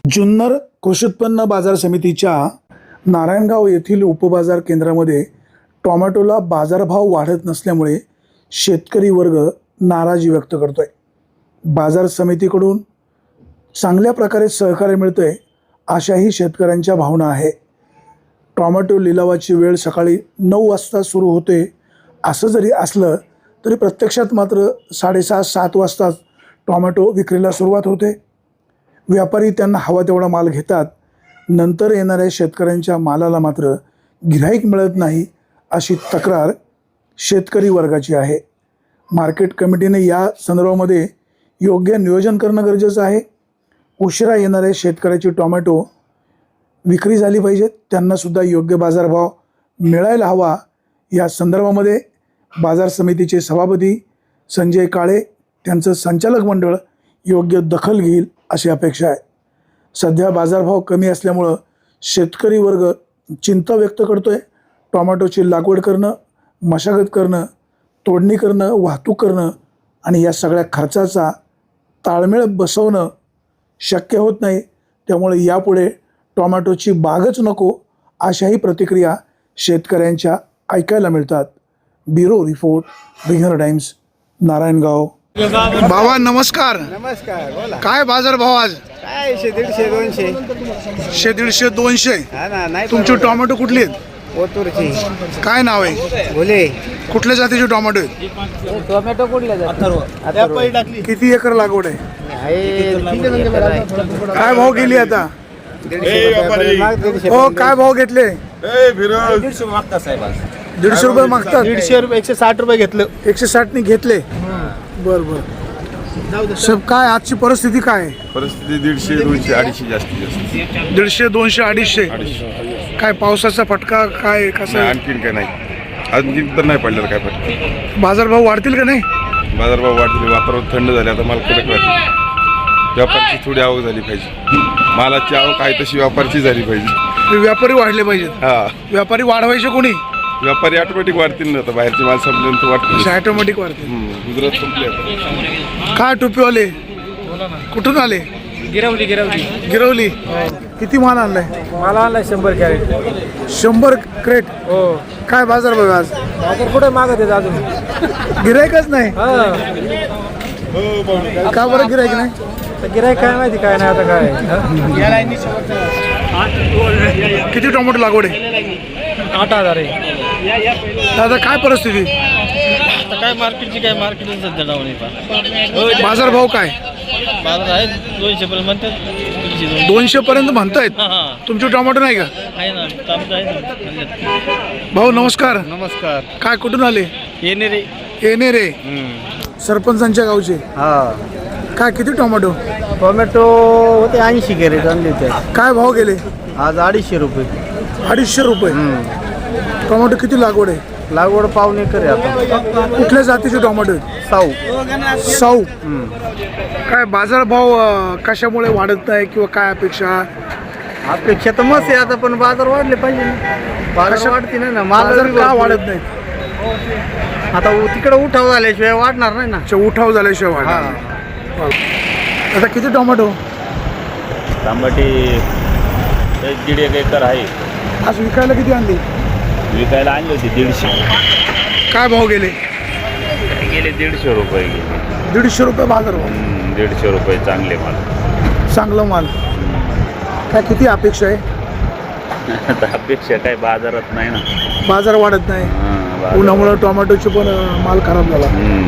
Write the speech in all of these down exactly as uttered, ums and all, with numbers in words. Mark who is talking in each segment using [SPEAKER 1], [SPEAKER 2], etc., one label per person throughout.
[SPEAKER 1] जुन्नर कृषी उत्पन्न बाजार समितीच्या नारायणगाव येथील उपबाजार केंद्रामध्ये टोमॅटोला बाजारभाव वाढत नसल्यामुळे शेतकरी वर्ग नाराजी व्यक्त करतोय। बाजार समितीकडून चांगल्या प्रकारे सहकार्य मिळतंय अशाही शेतकऱ्यांच्या भावना आहे। टोमॅटो लिलावाची वेळ सकाळी नऊ वाजता सुरू होते असं जरी असलं तरी प्रत्यक्षात मात्र साडेसहा सात वाजता टोमॅटो विक्रीला सुरुवात होते। व्यापारी त्यांना हवा तेवढा माल घेतात, नंतर येणाऱ्या शेतकऱ्यांच्या मालाला मात्र गिऱ्हाईक मिळत नाही अशी तक्रार शेतकरी वर्गाची आहे। मार्केट कमिटीने या संदर्भामध्ये योग्य नियोजन करणं गरजेचं आहे। उशिरा येणाऱ्या शेतकऱ्याची टोमॅटो विक्री झाली पाहिजे, त्यांना सुद्धा योग्य बाजारभाव मिळायला हवा। या संदर्भामध्ये बाजार समितीचे सभापती संजय काळे त्यांचं संचालक मंडळ योग्य दखल घेईल अशी अपेक्षा आहे। सध्या बाजारभाव कमी असल्यामुळं शेतकरी वर्ग चिंता व्यक्त करतोय। टोमॅटोची लागवड करणं, मशागत करणं, तोडणी करणं, वाहतूक करणं आणि या सगळ्या खर्चाचा ताळमेळ बसवणं शक्य होत नाही, त्यामुळे यापुढे टोमॅटोची बागच नको अशाही प्रतिक्रिया शेतकऱ्यांच्या ऐकायला मिळतात। ब्युरो रिपोर्ट, विघ्नर टाइम्स, नारायणगाव। बाबा नमस्कार।
[SPEAKER 2] नमस्कार, बोला।
[SPEAKER 1] काय बाजार भाव आज?
[SPEAKER 2] काय शे दीडशे दोनशे
[SPEAKER 1] शे दीडशे दोनशे
[SPEAKER 2] हा ना, नाही
[SPEAKER 1] तुमची टोमॅटो कुठली आहेत?
[SPEAKER 2] ओतूरची
[SPEAKER 1] काय नाव आहे?
[SPEAKER 2] बोले
[SPEAKER 1] कुठल्या जातीचे टोमॅटो आहेत?
[SPEAKER 2] टोमॅटो कुठल्या जाती?
[SPEAKER 1] किती एकर लागवड आहे?
[SPEAKER 2] आहे
[SPEAKER 1] काय भाव गेली आता? हो, काय भाव घेतले?
[SPEAKER 2] दीडशे मागता साहेब आज.
[SPEAKER 1] दीडशे रुपये मागतात?
[SPEAKER 2] दीडशे रुपये एकशे साठ रुपये घेतलं.
[SPEAKER 1] एकशे साठ ने घेतले? बर बर। सब काय आजची परिस्थिती काय आहे?
[SPEAKER 3] परिस्थिती दीडशे दोनशे अडीचशे जास्तीत जास्त
[SPEAKER 1] दीडशे दोनशे अडीचशे काय पावसाचा फटका काय कसं
[SPEAKER 3] नाही,
[SPEAKER 1] आहे?
[SPEAKER 3] आणखीन काय नाही, आणखीन तर नाही पडलेलं काय फटका।
[SPEAKER 1] बाजारभाव वाढतील का नाही?
[SPEAKER 3] बाजारभाव वाढले, वातावरण थंड झाले, आता माल कडक राहते। व्यापाराची थोडी आवक झाली पाहिजे, मालाची आवक आहे तशी व्यापाराची झाली पाहिजे।
[SPEAKER 1] व्यापारी वाढले पाहिजेत।
[SPEAKER 3] हा,
[SPEAKER 1] व्यापारी वाढवायचे कोणी?
[SPEAKER 3] व्यापारी ऑटोमॅटिक वाढतील ना, आता बाहेरचे माल संपल्यानंतर वाढतील।
[SPEAKER 1] ऑटोमॅटिक वाढते।
[SPEAKER 3] गुजरात संपले आता।
[SPEAKER 1] काय टोपीवाले कुठून आले?
[SPEAKER 2] गिरवली गिरवली
[SPEAKER 1] गिरवली। किती माल आणलाय?
[SPEAKER 2] मला आणलाय शंभर कॅरेट।
[SPEAKER 1] शंभर क्रेट?
[SPEAKER 2] हो।
[SPEAKER 1] काय बाजार बघा आज?
[SPEAKER 2] बाजार कुठे मागत आहे अजून?
[SPEAKER 1] गिरायकच नाही का? बरं गिरायक नाही?
[SPEAKER 2] गिरायक काय माहिती काय नाही आता काय।
[SPEAKER 1] किती टोमॅटो लागवड आहे?
[SPEAKER 2] आठ हजार आहे।
[SPEAKER 1] दादा काय परिस्थिती?
[SPEAKER 2] आता काय मार्केटची काय मार्केट सध्या डाऊन आहे।
[SPEAKER 1] बाजार भाव काय?
[SPEAKER 2] बाजार आहे दोनशे पर्यंत म्हणतात।
[SPEAKER 1] दोनशे पर्यंत म्हणतायत? तुमचे टोमॅटो नाही का?
[SPEAKER 2] आहे ना, आमचं आहे ना।
[SPEAKER 1] भाऊ नमस्कार।
[SPEAKER 2] नमस्कार।
[SPEAKER 1] काय कुठून आले?
[SPEAKER 2] येणे रे।
[SPEAKER 1] येणे रे, सरपंचांच्या गावचे।
[SPEAKER 2] हा,
[SPEAKER 1] काय किती टोमॅटो?
[SPEAKER 2] टोमॅटो होते ऐंशी कॅरेट आणले होते।
[SPEAKER 1] काय भाव गेले?
[SPEAKER 2] आज अडीचशे रुपये।
[SPEAKER 1] अडीचशे रुपये। टोमॅटो किती लागवड आहे?
[SPEAKER 2] लागवड पाऊन एकर आहे आता।
[SPEAKER 1] कुठल्या जातीचे टोमॅटो आहेत?
[SPEAKER 2] साऊ
[SPEAKER 1] साऊ। काय बाजार भाव अं, कशामुळे वाढत नाही किंवा काय अपेक्षा?
[SPEAKER 2] अपेक्षा तर मस्त आहे आता, पण बाजार वाढले पाहिजे ना। बाजार वाढते नाही ना,
[SPEAKER 1] बाजार
[SPEAKER 2] माल
[SPEAKER 1] का वाढत नाही?
[SPEAKER 2] आता तिकडे उठाव झाल्याशिवाय वाढणार नाही ना।
[SPEAKER 1] अच्छा, उठाव झाल्याशिवाय वाढणार नाही। आता किती टोमॅटो?
[SPEAKER 4] तांबटी एक दीड एक एकर आहे।
[SPEAKER 1] आज विकायला किती आणली?
[SPEAKER 4] विकायला आणली होती दीडशे।
[SPEAKER 1] काय भाव गेले?
[SPEAKER 4] गेले दीडशे रुपये गेले।
[SPEAKER 1] दीडशे रुपये बाजार भाव।
[SPEAKER 4] हम्म, दीडशे रुपये चांगले माल।
[SPEAKER 1] चांगलं माल। काय किती अपेक्षा आहे?
[SPEAKER 4] आता अपेक्षा काय बाजारात नाही ना।
[SPEAKER 1] बाजार वाढत नाही,
[SPEAKER 4] हां, बाजार-
[SPEAKER 1] उन्हामुळे टोमॅटोचे पण अं, माल खराब झाला।
[SPEAKER 4] हम्म.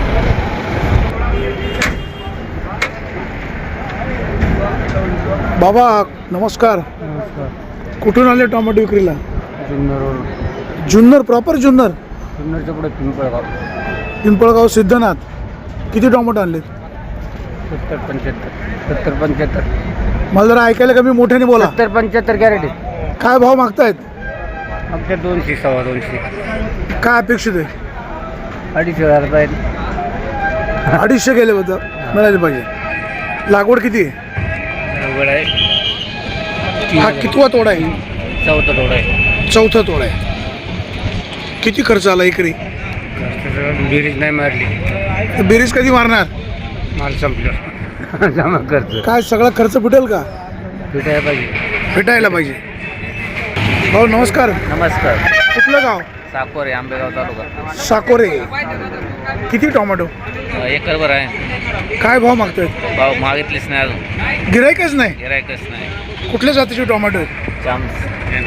[SPEAKER 1] बाबा नमस्कार। कुठून आले टोमॅटो विक्रीला? जुन्नर प्रॉपर जुन्नर?
[SPEAKER 2] जुन्नरच्या पुढे पिंपळगाव।
[SPEAKER 1] पिंपळगाव सिद्धनाथ। किती टोमॅटो आणले?
[SPEAKER 2] सत्तर पंच्याहत्तर सत्तर पंच्याहत्तर
[SPEAKER 1] मला जरा ऐकायला कमी मोठ्याने बोला।
[SPEAKER 2] सत्तर पंच्याहत्तर कॅरेट आहे।
[SPEAKER 1] काय भाव मागतायत?
[SPEAKER 2] आमच्या दोनशे सव्वा दोनशे।
[SPEAKER 1] काय अपेक्षित आहे?
[SPEAKER 2] अडीच हजार रुपये।
[SPEAKER 1] अडीचशे गेले बद्दल मिळाले पाहिजे। लागवड किती आहे?
[SPEAKER 2] अवघड आहे।
[SPEAKER 1] हा कितवा तोडा आहे?
[SPEAKER 2] चौथा थोडा आहे।
[SPEAKER 1] चौथा तोडा आहे। किती खर्च आला एकरी?
[SPEAKER 2] बेरीज नाही मारली।
[SPEAKER 1] बेरीज कधी मारणार?
[SPEAKER 2] माल संपलं जमा खर्च।
[SPEAKER 1] काय सगळा खर्च फिटेल का?
[SPEAKER 2] भेटायला पाहिजे.
[SPEAKER 1] भेटायला पाहिजे. भाऊ नमस्कार.
[SPEAKER 2] नमस्कार.
[SPEAKER 1] कुठलं गाव?
[SPEAKER 2] साकोरे, आंबेगाव तालुका.
[SPEAKER 1] साकोरे. किती टोमॅटो?
[SPEAKER 2] एकरभर आहे.
[SPEAKER 1] काय भाव मागतायत?
[SPEAKER 2] भाव मागितलीच नाही अजून.
[SPEAKER 1] गिरायकच नाही.
[SPEAKER 2] गिरायकच नाही.
[SPEAKER 1] कुठल्या जातीचे टोमॅटो आहेत?
[SPEAKER 2] चान्स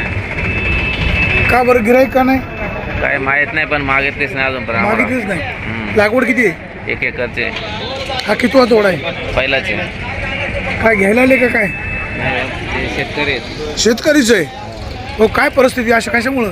[SPEAKER 1] का बरं गिरायक का नाही?
[SPEAKER 2] काय माहित नाही पण मागितलीच नाही अजून पण
[SPEAKER 1] मागितलीच नाही. लागवड किती आहे?
[SPEAKER 2] एक एकरचे.
[SPEAKER 1] हा कितवा तोडा आहे?
[SPEAKER 2] पहिलाचे.
[SPEAKER 1] काय घ्यायला आले का काय?
[SPEAKER 2] ते शेतकरी आहेत.
[SPEAKER 1] शेतकरीच आहे. हो काय परिस्थिती अशा कशामुळं?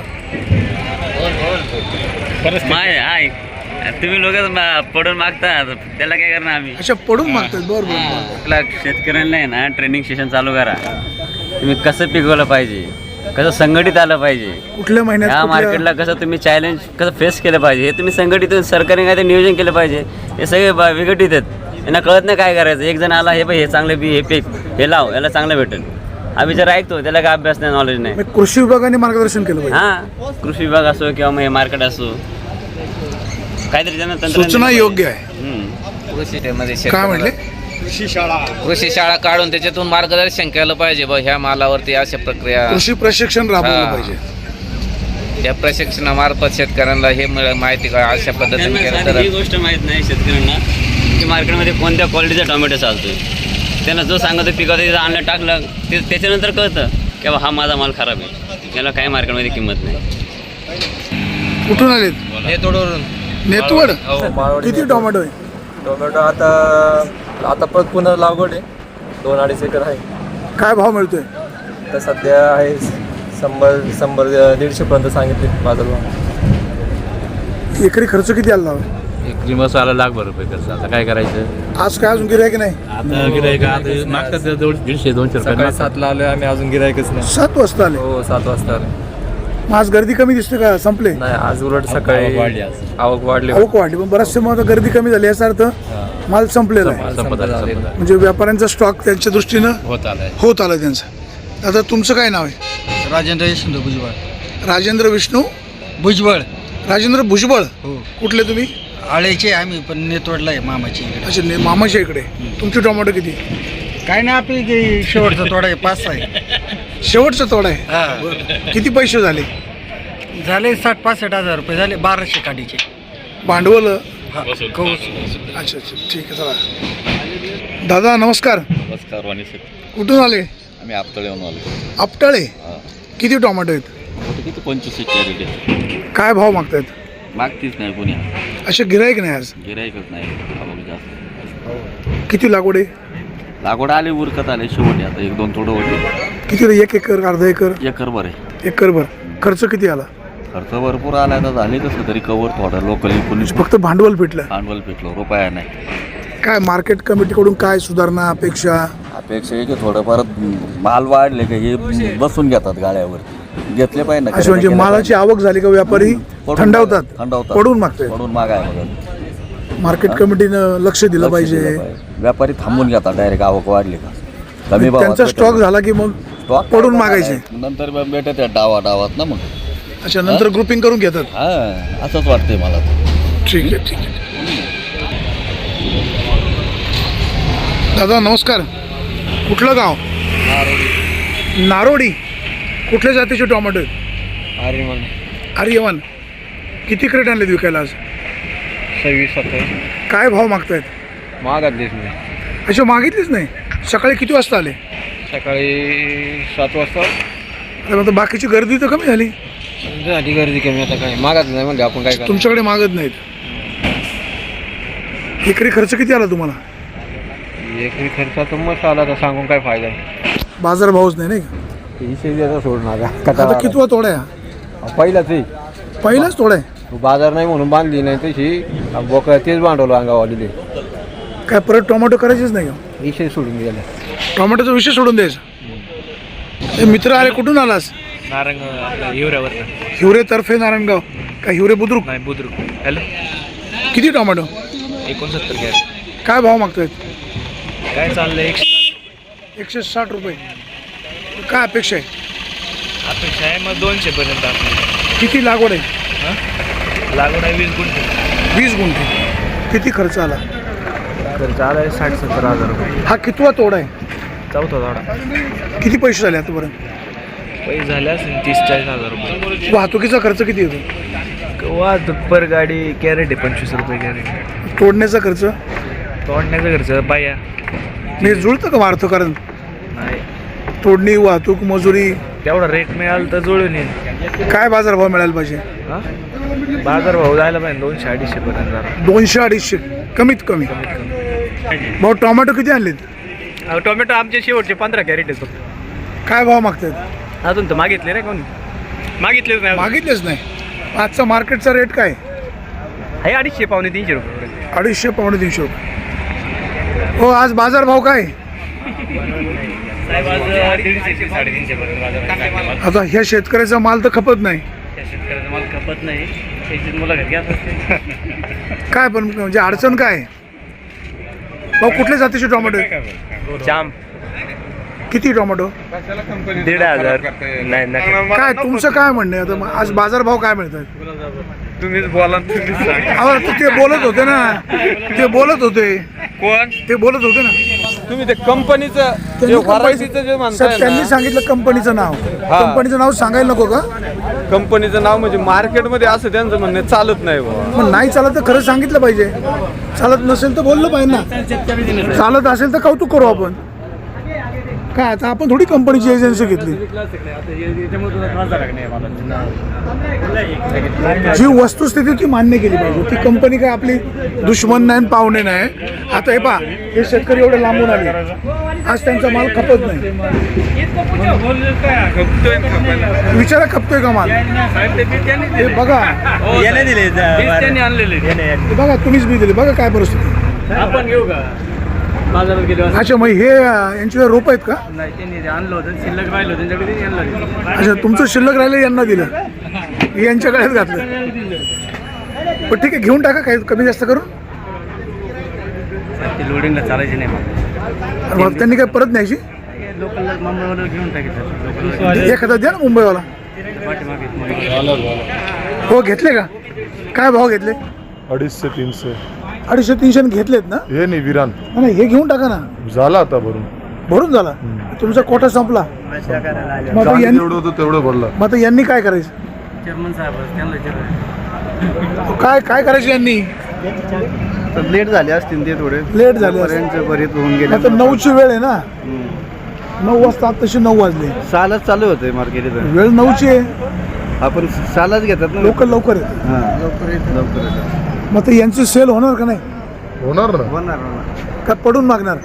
[SPEAKER 5] माय आहे तुम्ही लोक पडून मागता त्याला काय करणार आम्ही.
[SPEAKER 1] अशा पडून मागतात. बरोबर बरोबर.
[SPEAKER 5] आपल्या शेतकऱ्यांना आहे ना ट्रेनिंग सेशन चालू करा. तुम्ही कसं पिकवलं पाहिजे, कसं संघटित आलं पाहिजे,
[SPEAKER 1] कुठल्या महिन्यात
[SPEAKER 5] ह्या
[SPEAKER 1] कुठल्या-
[SPEAKER 5] मार्केटला कसं तुम्ही चॅलेंज कसं फेस केलं पाहिजे हे तुम्ही संघटित सरकारने काय ते नियोजन केलं पाहिजे. हे सगळे ब- विघटित आहेत. यांना कळत नाही काय करायचं. एक जण आला हे बाई हे चांगलं बी हे पीक हे लाव याला चांगलं भेटेल. आम्ही जर ऐकतो त्याला काय अभ्यास नाही नॉलेज नाही.
[SPEAKER 1] मग कृषी विभागाने मार्गदर्शन केलं पाहिजे.
[SPEAKER 5] हां कृषी विभाग असो किंवा मग हे मार्केट असो काहीतरी त्यांना तंत्रज्ञान
[SPEAKER 1] सूचना
[SPEAKER 5] दिलं
[SPEAKER 1] योग्य आहे.
[SPEAKER 5] पाहिजे. हम्म.
[SPEAKER 2] कृषीमध्ये
[SPEAKER 1] काय म्हटले?
[SPEAKER 2] कृषी शाळा काढून त्याच्यातून मार्गदर्शन केलं पाहिजे. बा ह्या मालावरती अशा प्रक्रिया,
[SPEAKER 1] कृषी प्रशिक्षण राबवलं
[SPEAKER 2] हा.
[SPEAKER 1] पाहिजे.
[SPEAKER 2] त्या प्रशिक्षणामार्फत शेतकऱ्यांना हे मिळ- माहिती का अशा पद्धतीने
[SPEAKER 5] त्यांना
[SPEAKER 2] केलं
[SPEAKER 5] साधी
[SPEAKER 2] तर
[SPEAKER 5] ही गोष्ट माहीत नाही शेतकऱ्यांना की मार्केटमध्ये कोणत्या क्वालिटीचा टोमॅटो चालतोय. त्यांना जो सांगतो पिकवतो तिथं आणलं टाकलं ते त्याच्यानंतर कळतं की बा हा माझा माल खराब आहे. याला काही मार्केटमध्ये किंमत नाही.
[SPEAKER 1] कुठून आलेत?
[SPEAKER 2] नेतोडवरून.
[SPEAKER 1] नेतवड.
[SPEAKER 6] माळवडी
[SPEAKER 1] किती टोमॅटो आहे?
[SPEAKER 6] टोमॅटो आता आता परत पुन्हा लागवड आहे. दोन अडीच एकर आहे.
[SPEAKER 1] काय भाव मिळतोय?
[SPEAKER 6] तर सध्या आहे शंभर शंभर दीडशे पर्यंत सांगितले बाजारभाव.
[SPEAKER 1] एकरी खर्च किती आला?
[SPEAKER 7] एकरी मसाला लाखभर रुपये खर्च. आता काय करायचं?
[SPEAKER 1] आज काय अजून गिरायक नाही?
[SPEAKER 7] आता गिरायक आता मागतात जवळ दीडशे दोनशे रुपये
[SPEAKER 6] सकाळी
[SPEAKER 7] मागतात.
[SPEAKER 6] सातला आलोय आम्ही, अजून गिरायकच नाही.
[SPEAKER 1] सात वाजता आले.
[SPEAKER 6] हो सात वाजता आले.
[SPEAKER 1] मग आज गर्दी कमी दिसते का? संपले?
[SPEAKER 6] नाही आज उलट सकाळी
[SPEAKER 7] आवक वाढली आज.
[SPEAKER 6] आवक वाढली.
[SPEAKER 1] आवक वाढली पण बराचसे मग आता गर्दी कमी झाली याचा अर्थ माल संपलेला आहे.
[SPEAKER 7] संपत आलं, संपत आलं.
[SPEAKER 1] म्हणजे व्यापाऱ्यांचा स्टॉक त्यांच्या दृष्टीनं
[SPEAKER 7] होत आलाय.
[SPEAKER 1] होत आला त्यांचा. आता तुमचं काय नाव आहे?
[SPEAKER 8] राजेंद्र यशवंत भुजबळ.
[SPEAKER 1] राजेंद्र विष्णू
[SPEAKER 8] भुजबळ.
[SPEAKER 1] राजेंद्र भुजबळ.
[SPEAKER 8] हो.
[SPEAKER 1] कुठले तुम्ही?
[SPEAKER 8] आळेचे आम्ही पण नेतवडला आहे मामाची इकडे.
[SPEAKER 1] अच्छा ने- मामाच्या इकडे. तुमचे टोमॅटो किती?
[SPEAKER 8] काय नाही आपली काही शेवटचा तोडा आहे पाच सहा आहे.
[SPEAKER 1] शेवटचा तोडा आहे.
[SPEAKER 8] हा.
[SPEAKER 1] किती पैसे झाले?
[SPEAKER 8] झाले साठ पासष्ट हजार रुपये झाले बाराशे काडीचे.
[SPEAKER 1] भांडवल?
[SPEAKER 8] हा, कौस.
[SPEAKER 1] अच्छा अच्छा ठीक आहे. चला दादा नमस्कार.
[SPEAKER 4] नमस्कार वाणी सर.
[SPEAKER 1] कुठून आले?
[SPEAKER 4] आम्ही आपतळेहून आलो.
[SPEAKER 1] आपटाळे. किती टोमॅटो आहेत?
[SPEAKER 4] किती पंचवीस कॅरेट
[SPEAKER 1] काय भाव मागतायत?
[SPEAKER 4] मागतीच नाही कोणी.
[SPEAKER 1] असे गिरायक नाही आज.
[SPEAKER 4] गिरायकच नाही आवक जास्त.
[SPEAKER 1] किती लागवड आहे?
[SPEAKER 4] लागवड आले उरकत आले शेवटी आता एक दोन थोडं होते.
[SPEAKER 1] किती रे? एक एकर अर्धा एकर?
[SPEAKER 4] एकर बरं आहे.
[SPEAKER 1] एकरभर. खर्च किती आला?
[SPEAKER 4] खर्च भरपूर आला आता झाले कसं तरी कवर थोडा लोकल कोणी
[SPEAKER 1] फक्त भांडवल भेटलं.
[SPEAKER 4] भांडवल भेटलो रुपया नाही.
[SPEAKER 1] काय मार्केट कमिटीकडून काय सुधारणा अपेक्षा?
[SPEAKER 4] अपेक्षा आहे की थोडंफार माल वाढले का हे बसून घेतात गाड्यावर. घेतले पाहिजे
[SPEAKER 1] अशी म्हणजे मालाची आवक झाली का व्यापारी थंडावतात,
[SPEAKER 4] थंडावतात
[SPEAKER 1] पडून मागतात.
[SPEAKER 4] पडून मागाय बघा.
[SPEAKER 1] मार्केट कमिटीनं लक्ष दिलं पाहिजे.
[SPEAKER 4] व्यापारी थांबून घेतात डायरेक्ट आवक वाढली का कमी भावात
[SPEAKER 1] त्यांचा
[SPEAKER 4] भेटेल.
[SPEAKER 1] स्टॉक झाला की मग
[SPEAKER 4] स्टॉक
[SPEAKER 1] पडून मागायचे.
[SPEAKER 4] नंतर भेटत डावा डावात ना मग.
[SPEAKER 1] अच्छा नंतर ग्रुपिंग करून घेतात.
[SPEAKER 4] हा असंच वाटतंय मला.
[SPEAKER 1] ठीक आहे ठीक आहे. दादा नमस्कार. कुठलं गाव? नारोडी. कुठल्या जातीचे टोमॅटो आहेत? आर्यमान. किती क्रेट आणलेत विकायला आज?
[SPEAKER 2] सव्वीस सत्तावीस.
[SPEAKER 1] काय भाव मागतायत?
[SPEAKER 2] मागतलीच नाही.
[SPEAKER 1] अच्छा मागितलीच नाही. सकाळी किती वाजता आले?
[SPEAKER 2] सकाळी सात वाजता
[SPEAKER 1] अरे मग आता बाकीची गर्दी तर कमी झाली.
[SPEAKER 2] झाली गर्दी कमी. आता काय मागत नाही म्हणजे आपण काय करणार.
[SPEAKER 1] तुमच्याकडे मागत नाहीत. एकरी खर्च किती आला तुम्हाला?
[SPEAKER 2] एकरी खर्चाचा मस्त आला तर सांगून काय फायदा आहे.
[SPEAKER 1] बाजार भावच नाही नाही का?
[SPEAKER 2] तीनशे द्यायचा सोड नागा.
[SPEAKER 1] आता कितवा तोडा आहे हा?
[SPEAKER 2] पहिलाच आहे.
[SPEAKER 1] पहिलाच तोडा आहे.
[SPEAKER 2] बाजार नाही म्हणून बांधली नाही तशी बोक तेच बांधवलं अंगावाली.
[SPEAKER 1] काय परत टोमॅटो करायचेच नाही का?
[SPEAKER 2] विषय सोडून गेला.
[SPEAKER 1] टोमॅटोचा विषय सोडून द्यायचा. हे मित्र आले. कुठून आलास?
[SPEAKER 7] नारंग हिवऱ्यावर
[SPEAKER 1] हिवरे तर्फे नारायणगाव. का हिवरे बुद्रुक?
[SPEAKER 7] नाही बुद्रुक. हॅलो
[SPEAKER 1] किती टोमॅटो?
[SPEAKER 7] एकोणसत्तर घ्या.
[SPEAKER 1] काय भाव मागतायत?
[SPEAKER 7] काय चाललंय एक
[SPEAKER 1] एकशे साठ रुपये. काय अपेक्षा आहे?
[SPEAKER 7] अपेक्षा आहे मग दोनशे पर्यंत आपली.
[SPEAKER 1] किती लागवड आहे?
[SPEAKER 7] लागवड आहे वीस गुंठे.
[SPEAKER 1] वीस गुंठे. किती खर्च आला?
[SPEAKER 2] खर्च आला आहे साठ सत्तर हजार रुपये.
[SPEAKER 1] हा कितवा तोडा आहे?
[SPEAKER 7] चौथा तोडा.
[SPEAKER 1] किती पैसे झाले आतापर्यंत?
[SPEAKER 7] पैसे झाले असेल तीस चाळीस हजार रुपये.
[SPEAKER 1] वाहतुकीचा खर्च किती येतो?
[SPEAKER 7] वाहतूक पर गाडी कॅरेट आहे पंचवीस रुपये कॅरेट.
[SPEAKER 1] तोडण्याचा खर्च
[SPEAKER 7] तोडण्याचं खर्च बाया
[SPEAKER 1] म्हणजे जुळतं का वाढतं? कारण
[SPEAKER 7] नाही
[SPEAKER 1] तोडणी, वाहतूक, मजुरी,
[SPEAKER 7] तेवढा रेट मिळाला तर जुळून येईल.
[SPEAKER 1] काय बाजारभाव मिळायला पाहिजे?
[SPEAKER 7] हा बाजार भाव जायला पाहिजे दोनशे अडीचशे पर्यंत जरा.
[SPEAKER 1] दोनशे अडीचशे कमीत कमी. भाऊ टोमॅटो किती आणलेत?
[SPEAKER 7] टोमॅटो आमचे शेवटचे पंधरा कॅरेट येतो.
[SPEAKER 1] काय भाव मागतात?
[SPEAKER 7] अजून तर मागितले नाही कोणी, मागितलेच नाही.
[SPEAKER 1] मागितलेच नाही. आजचा मार्केटचा रेट काय?
[SPEAKER 7] आहे अडीचशे पावणे तीनशे रुपये.
[SPEAKER 1] अडीचशे पावणे तीनशे रुपये. हो, आज बाजार भाव काय?
[SPEAKER 7] दीडशे साडेतीनशे पर्यंत.
[SPEAKER 1] आता ह्या शेतकऱ्याचा माल तर खपत नाही.
[SPEAKER 7] शेतकऱ्याचा माल खपत नाही, त्याची मुलाखत घ्या.
[SPEAKER 1] काय पण म्हणजे अडचण काय? भाऊ कुठल्या जातीचे टोमॅटो आहे?
[SPEAKER 7] जाम
[SPEAKER 1] किती टोमॅटो?
[SPEAKER 7] दीड हजार. नाही नाही
[SPEAKER 1] काय तुमचं काय म्हणणं आहे? आता मग आज बाजार भाव काय मिळतात?
[SPEAKER 7] तुम्हीच बोला, तुम्हीच सांगा.
[SPEAKER 1] अहो, तर ते बोलत होते ना, ते बोलत होते
[SPEAKER 7] कोण
[SPEAKER 1] ते बोलत होते ना.
[SPEAKER 6] तुम्ही ते कंपनीचं
[SPEAKER 1] त्यांनी
[SPEAKER 6] जे
[SPEAKER 1] कंपनी-
[SPEAKER 6] व्हरायटीचं जे म्हणताय
[SPEAKER 1] साहेब, त्यांनी
[SPEAKER 6] ना,
[SPEAKER 1] सांगितलं कंपनीचं नाव.
[SPEAKER 6] हा.
[SPEAKER 1] कंपनीचं नाव सांगायला नको का?
[SPEAKER 6] कंपनीचं नाव म्हणजे मार्केटमध्ये असं त्यांचं म्हणणं चालत नाही बाबा.
[SPEAKER 1] मग नाही चालत तर खरं सांगितलं पाहिजे. चालत नसेल तर बोललं पाहिजे ना. चालत असेल तर कौतुक करू आपण. काय आता आपण थोडी कंपनीची एजन्सी घेतली. जी वस्तुस्थिती ती मान्य केली पाहिजे. ती कंपनी काय आपली दुश्मन नाही आणि पाहुणे नाही. आता हे पहा, हे शेतकरी एवढे लांबून आले, आज त्यांचा माल खपत नाही. विचारा खपतोय का माल? हे बघा, हे बघा, तुम्हीच बी दिले. बघा काय परिस्थिती.
[SPEAKER 7] आपण घेऊ का बाजारात गेलो?
[SPEAKER 1] अच्छा, मग हे अं, यांचे रोप आहेत का?
[SPEAKER 7] नाही, त्यांनी आणलं होतं, शिल्लक राहिलं होतं त्यांच्याकडे, त्यांनी आणलं होतं.
[SPEAKER 1] अच्छा, तुमचं शिल्लक राहिलं यांना दिलं, हे यांच्या गळ्यात घातलं. पण ठीक आहे, घेऊन टाका, काही कमी जास्त करून.
[SPEAKER 7] ते लोडिंगला चालायचे नाही मग.
[SPEAKER 1] आणि मग त्यांनी काय परत न्यायची?
[SPEAKER 7] लोकलला मुंबईवर घेऊन टाकायचं.
[SPEAKER 1] एखादा द्या ना मुंबईवाला. हो, घेतले का? काय भाव घेतले?
[SPEAKER 3] अडीचशे तीनशे.
[SPEAKER 1] अडीचशे तीनशे घेतलेत ना?
[SPEAKER 3] हे नाही विरान
[SPEAKER 1] नाही, हे घेऊन टाका ना.
[SPEAKER 3] झाला आता भरून.
[SPEAKER 1] भरून झाला तुमचा कोटा संपला. मग आता यांनी
[SPEAKER 3] एवढं होतं तेवढं भरलं.
[SPEAKER 1] मग आता यांनी काय करायचं?
[SPEAKER 7] चेअरमन साहेब त्यांना विचारा.
[SPEAKER 1] काय काय करायचं यांनी?
[SPEAKER 6] लेट झाले असतील ते थोडे,
[SPEAKER 1] लेट झाले असतील.
[SPEAKER 6] बरेच होऊन गेले.
[SPEAKER 1] आता नऊची वेळ आहे ना. नऊ वाजता तशी नऊ वाजले.
[SPEAKER 6] सालच चालू होते मार्केट.
[SPEAKER 1] वेळ नऊची आहे.
[SPEAKER 6] आपण सालच घेतात ना.
[SPEAKER 1] लवकर लवकर येते.
[SPEAKER 6] लवकर लवकर येतात.
[SPEAKER 1] मग आता यांची सेल होणार का नाही?
[SPEAKER 3] होणार ना.
[SPEAKER 6] होणार
[SPEAKER 1] का पडून मागणार?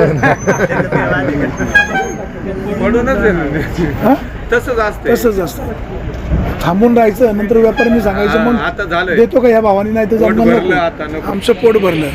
[SPEAKER 1] हा?
[SPEAKER 6] तसंच असतं.
[SPEAKER 1] तसंच असतं. थांबून राहायचं, नंतर व्यापाऱ्यांनी सांगायचं
[SPEAKER 6] हा,
[SPEAKER 1] मग
[SPEAKER 6] आता झालंय.
[SPEAKER 1] देतो का ह्या भावानी? नाही तर
[SPEAKER 6] पोट
[SPEAKER 1] जमणार
[SPEAKER 6] भरलं, आता
[SPEAKER 1] नको.
[SPEAKER 6] नको.
[SPEAKER 1] आमचं पोट भरलं.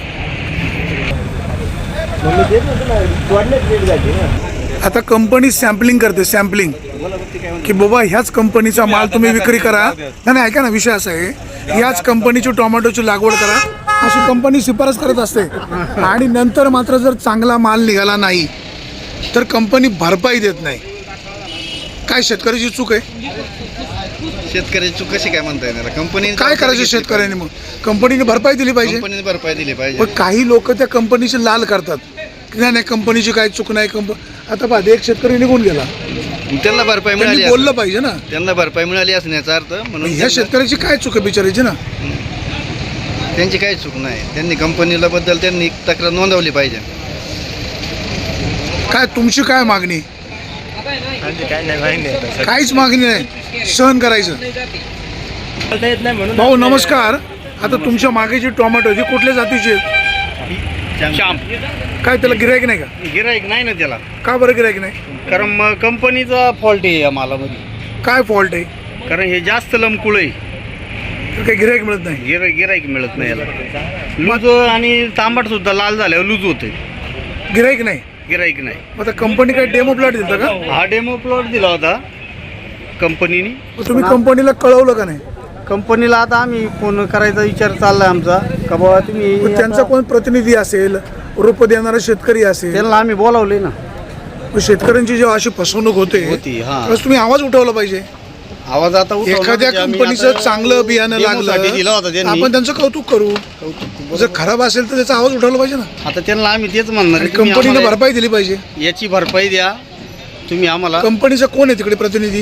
[SPEAKER 1] आता कंपनी सॅम्पलिंग करते, सॅम्पलिंग की बाबा ह्याच कंपनीचा माल तुम्ही विक्री करा. नाही नाही, ऐका ना, विषय असा आहे, ह्याच कंपनीची टोमॅटोची लागवड करा अशी कंपनी शिफारस करत असते. आणि नंतर मात्र जर चांगला माल निघाला नाही तर कंपनी भरपाई देत नाही. काय शेतकऱ्याची चूक आहे?
[SPEAKER 9] शेतकऱ्याची चूक कशी काय म्हणता येणार? कंपनी
[SPEAKER 1] काय करायचं शेतकऱ्यांनी? मग कंपनीने भरपाई दिली पाहिजे.
[SPEAKER 9] कंपनीने भरपाई दिली पाहिजे.
[SPEAKER 1] पण काही लोक त्या कंपनीची लाल करतात की नाही नाही, कंपनीची काही चूक नाही. कंप आता पाहते, एक शेतकरी निघून गेला,
[SPEAKER 9] त्यांना भरपाई मिळाली
[SPEAKER 1] त्यांनी बोललं पाहिजे ना.
[SPEAKER 9] त्यांना भरपाई मिळाली असण्याचा अर्थ म्हणून
[SPEAKER 1] ह्या
[SPEAKER 9] त्यांना-
[SPEAKER 1] शेतकऱ्याची काय चूक आहे बिचारायची ना?
[SPEAKER 9] त्यांची काही चूक नाही. त्यांनी कंपनीला बद्दल त्यांनी तक्रार नोंदवली पाहिजे.
[SPEAKER 1] काय तुमची काय मागणी?
[SPEAKER 7] काय नाही माहिती.
[SPEAKER 1] काहीच मागणी नाही, सहन करायचं.
[SPEAKER 7] येत नाही म्हणून.
[SPEAKER 1] भाऊ नमस्कार. आता तुमच्या मागे जी टोमॅटो ती कुठल्या जातीची आहे?
[SPEAKER 7] श्याम
[SPEAKER 1] काय त्याला गिरायक नाही का?
[SPEAKER 7] गिराईक नाही ना त्याला,
[SPEAKER 1] का बरं गिरायक नाही?
[SPEAKER 7] कारण मग कंपनीचा फॉल्ट आहे या मालामध्ये.
[SPEAKER 1] काय फॉल्ट आहे?
[SPEAKER 7] कारण हे जास्त लमकुळ आहे,
[SPEAKER 1] तर काही गिरायक मिळत नाही.
[SPEAKER 7] गिरा गिराईक मिळत नाही याला. लूज आणि तांबट सुद्धा लाल झाल्यावर लूज होते,
[SPEAKER 1] गिरायक नाही.
[SPEAKER 7] गिराईक नाही.
[SPEAKER 1] मग आता कंपनी काय डेमो प्लॉट दिलता का?
[SPEAKER 7] हा डेमो प्लॉट दिला होता कंपनीने.
[SPEAKER 1] मग तुम्ही कंपनीला कळवलं का नाही?
[SPEAKER 6] कंपनीला आता आम्ही फोन करायचा विचार चाललाय आमचा, का बाबा तुम्ही
[SPEAKER 1] मग त्यांचा कोण प्रतिनिधी असेल, रोप देणारा शेतकरी असेल,
[SPEAKER 6] त्यांना आम्ही बोलावले ना.
[SPEAKER 1] मग शेतकऱ्यांची जेव्हा अशी फसवणूक होते
[SPEAKER 6] होती, हा.
[SPEAKER 1] त्यावेळेस तुम्ही आवाज उठवला पाहिजे.
[SPEAKER 6] आवाज आता उठवला
[SPEAKER 1] एखाद्या
[SPEAKER 6] म्हणजे आम्ही
[SPEAKER 1] कंपनीचं
[SPEAKER 6] आता
[SPEAKER 1] चांगलं बियाणं
[SPEAKER 6] डेमोसाठी दिला होता
[SPEAKER 1] लागलं
[SPEAKER 6] त्यांनी.
[SPEAKER 1] आपण त्यांचं कौतुक करू.
[SPEAKER 6] कौतुक
[SPEAKER 1] जर खराब असेल तर त्याचा आवाज उठवला पाहिजे ना.
[SPEAKER 9] आता त्यांना आम्ही तेच म्हणणार
[SPEAKER 1] आणि
[SPEAKER 9] आहे, तुम्ही
[SPEAKER 1] कंपनीने
[SPEAKER 9] आम्हाला
[SPEAKER 1] भरपाई दिली पाहिजे.
[SPEAKER 9] याची भरपाई द्या तुम्ही आम्हाला.
[SPEAKER 1] कंपनीचा कोण आहे तिकडे प्रतिनिधी?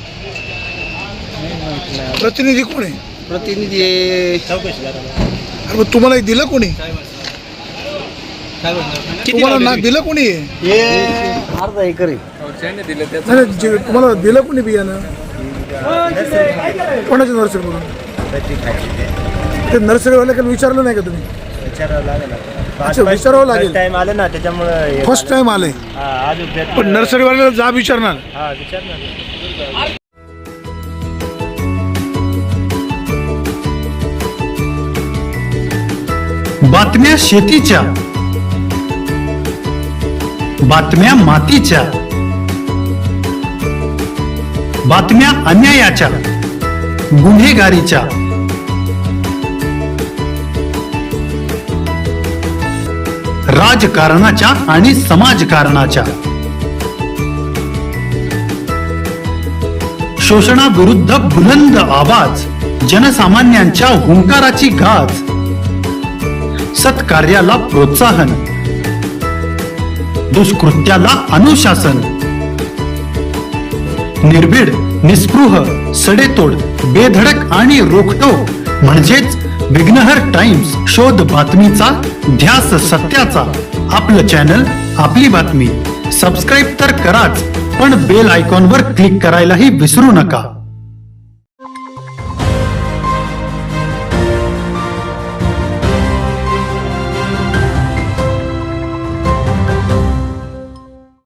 [SPEAKER 1] प्रतिनिधी कोण आहे?
[SPEAKER 9] प्रतिनिधी
[SPEAKER 1] अरे मग तुम्हाला हे दिलं कोणी? तुम्हाला ना दिलं कोणी?
[SPEAKER 9] हे अर्धा एकर आहे.
[SPEAKER 1] नाही, नाही, जे- तुम्हाला दिलं कोणी बियाणं? कोणाच्या नर्सरीमधून? ते नर्सरीवाल्याकडे विचारलं नाही का तुम्ही? अच्छा, विचारावं लागेल.
[SPEAKER 8] टाइम आले ना त्याच्यामुळे
[SPEAKER 1] फर्स्ट टाइम आले पण नर्सरीवाल्याला जाब विचारणार.
[SPEAKER 10] बातम्या शेतीच्या, बातम्या मातीच्या, बातम्या अन्यायाच्या, गुन्हेगारीच्या, राजकारणाच्या आणि समाजकारणाच्या, शोषणाविरुद्ध बुलंद आवाज, जनसामान्यांच्या हुंकाराची गाज, सत्कार्याला प्रोत्साहन, दुष्कृत्याला अनुशासन, निर्भीड, निस्पृह, सडेतोड, बेधडक आणि रोखटोक म्हणजेच विघ्नहर टाइम्स. शोध बातमीचा, ध्यास सत्याचा. आपलं चॅनल, आपली बातमी. सबस्क्राईब तर कराच, पण बेल आयकॉनवर क्लिक करायलाही विसरू नका.